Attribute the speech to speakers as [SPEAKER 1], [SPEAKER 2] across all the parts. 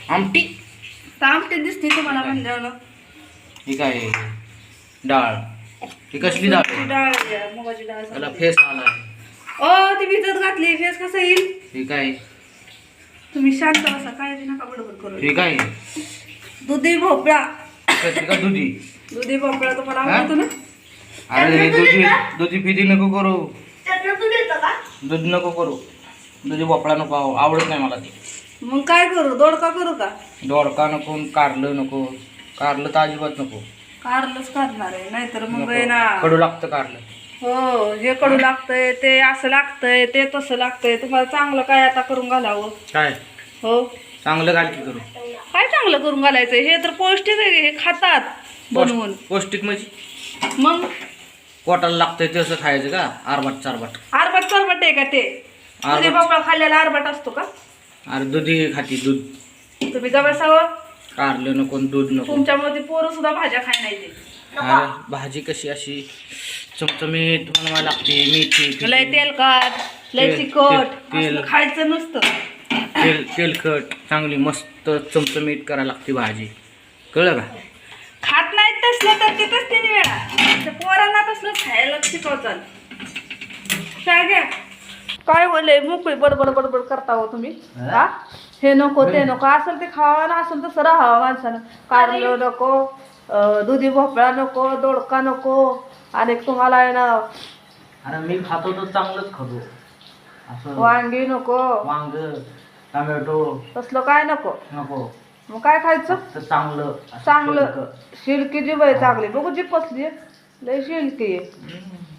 [SPEAKER 1] आमटी
[SPEAKER 2] तर आमटी दिसते तुम्हाला म्हणल्यावर.
[SPEAKER 1] ही काय डाळ, ही कसली डाळ आहे?
[SPEAKER 2] डाळ आहे, मुगाची डाळ.
[SPEAKER 1] त्याला फेस आला.
[SPEAKER 2] ओ ती भिजत घातली, फेस कसं येईल?
[SPEAKER 1] ही काय?
[SPEAKER 2] तुम्ही शांत बसा, काळजी नका बडबड करू.
[SPEAKER 1] ही काय?
[SPEAKER 2] दुधी भोपळा.
[SPEAKER 1] कसली का दुधी?
[SPEAKER 2] दुधी भोपळा तुम्हाला आवडतो ना?
[SPEAKER 1] अरे दुधी फिदी नको करू, दूध नको करू, दुधी भोपळा नको, आवडत नाही मला ते.
[SPEAKER 2] मग काय करू? दोडका करू का?
[SPEAKER 1] दोडका नको, कारलं नको. कारलं तर अजिबात नको.
[SPEAKER 2] कारलंच करणार आहे, नाहीतर मग
[SPEAKER 1] नको.
[SPEAKER 2] आहे ना.
[SPEAKER 1] कडू लागतं कारलं.
[SPEAKER 2] हो, हे कडू लागतंय, ते असं लागतंय, ते तसं लागतंय. तुम्हाला चांगलं काय आता करून घालावं?
[SPEAKER 1] काय
[SPEAKER 2] हो,
[SPEAKER 1] चांगलं घाल की करू.
[SPEAKER 2] काय चांगलं करून घालायचं? हे तर पौष्टिक आहे, हे खातात बनवून.
[SPEAKER 1] पौष्टिक म्हणजे
[SPEAKER 2] मग
[SPEAKER 1] पोटाला लागतंय तसं खायचं का? आरबाट चारबाट.
[SPEAKER 2] आरबाट चरबट आहे का ते? दुधी भोपळा खाल्ल्याला आरबाट असतो का?
[SPEAKER 1] अरे दुधी खाती, दूध.
[SPEAKER 2] तुम्ही जवळसावं,
[SPEAKER 1] कारलं नको, दूध नको.
[SPEAKER 2] तुमच्यामध्ये पोरं सुद्धा भाज्या खाय नाही ते.
[SPEAKER 1] अरे भाजी कशी अशी चमचमीत बनवायला लागते, मेथी
[SPEAKER 2] लय तेलकट, लय
[SPEAKER 1] तेल-
[SPEAKER 2] तिखट
[SPEAKER 1] तेल-
[SPEAKER 2] असलं खायचं नसतं.
[SPEAKER 1] तेलकट चांगली मस्त चमचमीत करायला लागते भाजी, कळलं का?
[SPEAKER 2] खात नाहीत तसलं तर तिथंच 3 वेळा. त्या पोरांना तसलं खायला शिकवतात. काय घ्या, काय बोलले मोकळी बडबड बडबड करता हो तुम्ही? हा, हे नको ते नको, असेल ते खावा ना, असेल तसं राहावं माणसानं. कारलं नको, दुधी भोपळा नको, दोडका नको, आणि तुम्हाला आहे ना
[SPEAKER 1] अरे मी खातो तर चांगलंच खातो, असं
[SPEAKER 2] वांगी नको,
[SPEAKER 1] वांग टोमॅटो
[SPEAKER 2] तसलं काय नको.
[SPEAKER 1] नको.
[SPEAKER 2] मग काय खायचं?
[SPEAKER 1] तर चांगलं असं
[SPEAKER 2] चांगलं
[SPEAKER 1] फुलकं.
[SPEAKER 2] शिलकी जी बाई चांगली, बघू जी पसली लय शिलकी आहे.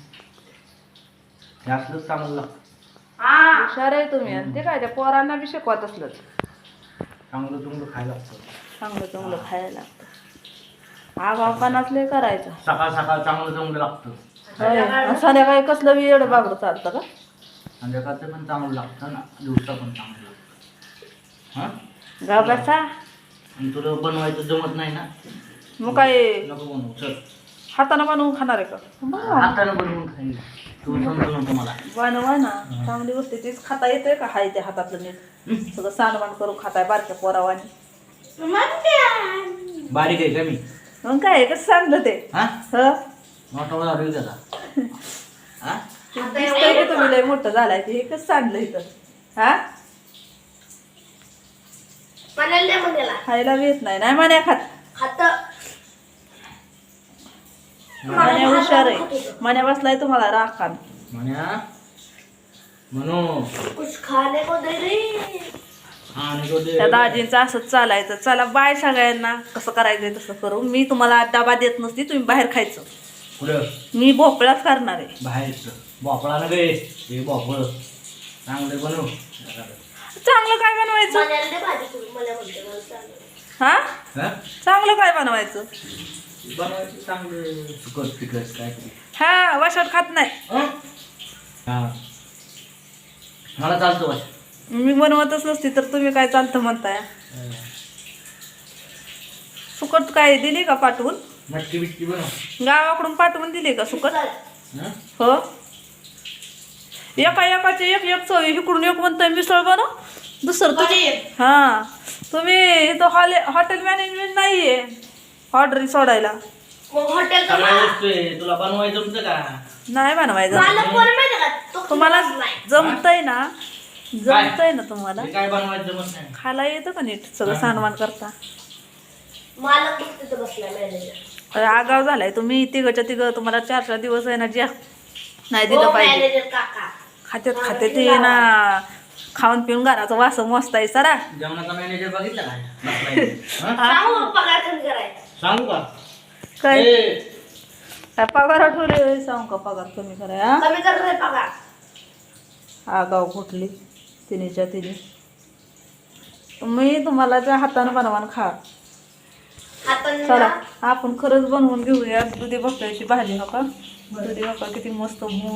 [SPEAKER 1] जास्तच चांगलं लागतं.
[SPEAKER 2] हुशार आहे तुम्ही. आणि ते काय त्या पोरांना बी शिकवत असलं
[SPEAKER 1] चांगलं तुमचं खायला लागतं.
[SPEAKER 2] चांगलं चांगलं खायला लागतं. हा बापानाच लय करायचं.
[SPEAKER 1] सकाळ सकाळ चांगलं चांगलं लागतं.
[SPEAKER 2] होय. आणि संध्याकाळी कसलं बी एवढं बागडं चालतं का?
[SPEAKER 1] संध्याकाळचं पण चांगलं लागतं ना, दिवसा पण चांगलं लागतं. हां,
[SPEAKER 2] गा बसा.
[SPEAKER 1] आणि तुला बनवायचं जमत नाही ना,
[SPEAKER 2] मग काय
[SPEAKER 1] नको बनवू. चल
[SPEAKER 2] हातानं बनवून खाणार आहे का?
[SPEAKER 1] हातानं बनवून खाईल, तू समजू नको मला.
[SPEAKER 2] बनवा ना, चांगली गोष्ट तीच खाता येते का? हाय ते हातातलं नीट सगळं सांडवाण करून खाताय बारक्या पोरावानी.
[SPEAKER 1] बारीक आहे का मी?
[SPEAKER 2] मग काय कसं सांगलं ते?
[SPEAKER 1] हा,
[SPEAKER 2] ह,
[SPEAKER 1] मोठा वेळा रे त्याला. हा,
[SPEAKER 2] दिसतंय की तुम्ही लय मोठं झालाय ते. हे कसं सांगलं इथं? हा, खायला येत नाही. नाही मान्या खात. मान्या हुशार आहे. मान्या बसलाय तुम्हाला राखान.
[SPEAKER 1] म्हण्या म्हणू आणि तो दे.
[SPEAKER 2] त्या दाजींचं असंच चालायचं. चला बाय सगळ्यांना. कसं करायचंय तसं करू. मी तुम्हाला डबा देत नसती, तुम्ही बाहेर खायचं.
[SPEAKER 1] पुढं
[SPEAKER 2] मी भोपळाच करणार आहे.
[SPEAKER 1] बाहेरचं भोपळा न गे, हे भोपळ चांगलं बनव.
[SPEAKER 2] चांगलं काय बनवायचं? हा,
[SPEAKER 1] हा,
[SPEAKER 2] चांगलं काय बनवायचं?
[SPEAKER 1] बनवायचं चांगलं सुकट पिकट काय तरी.
[SPEAKER 2] हा, वाशात खात नाही.
[SPEAKER 1] हा, मला चालतं वाश.
[SPEAKER 2] मी बनवतच नसती तर तुम्ही काय चालतं म्हणताय? सुकट काय दिली का पाठवून?
[SPEAKER 1] मटकी बिटकी बनव.
[SPEAKER 2] गावाकडून पाठवून दिली का सुकट?
[SPEAKER 1] हा?
[SPEAKER 2] हो, एका एकाचे एक एक चव. इकडून एक म्हणताय मिसळ बनव, दुसरं तुम्ही. हा, तुम्ही इथं हॉटेल मॅनेजमेंट नाहीये ऑर्डर सोडायला.
[SPEAKER 1] सगळ्या वस्तू आहे, तुला बनवायचं जमतं का?
[SPEAKER 2] नाही बनवायचं. तुम्हाला जमतंय ना? जमतंय ना तुम्हाला?
[SPEAKER 1] हे काय बनवायचं जमत नाही.
[SPEAKER 2] खायला येतं का नीट सगळं सानवान करता? आगाव झालाय तुम्ही. तिघच्या तिघं तुम्हाला 4-4 दिवस आहे ना ज्या नाही दिलं पाहिजे. खात्यात ते ना, खाऊन पिऊन घराचा वास मस्त आहे सरा.
[SPEAKER 1] जेवणाचा मॅनेजर बघितला काय? सांगू का
[SPEAKER 2] काय
[SPEAKER 1] ए,
[SPEAKER 2] काय पगार ठेवले? सांगू का पगार कमी कराय? आगाव कुठली तिनेच्या तिने. मी तुम्हाला त्या हातानं बनवान खा. चला आपण खरंच बनवून घेऊया दुधी भोपळ्याची भाजी. हो का? दुधी भोपळा किती मस्त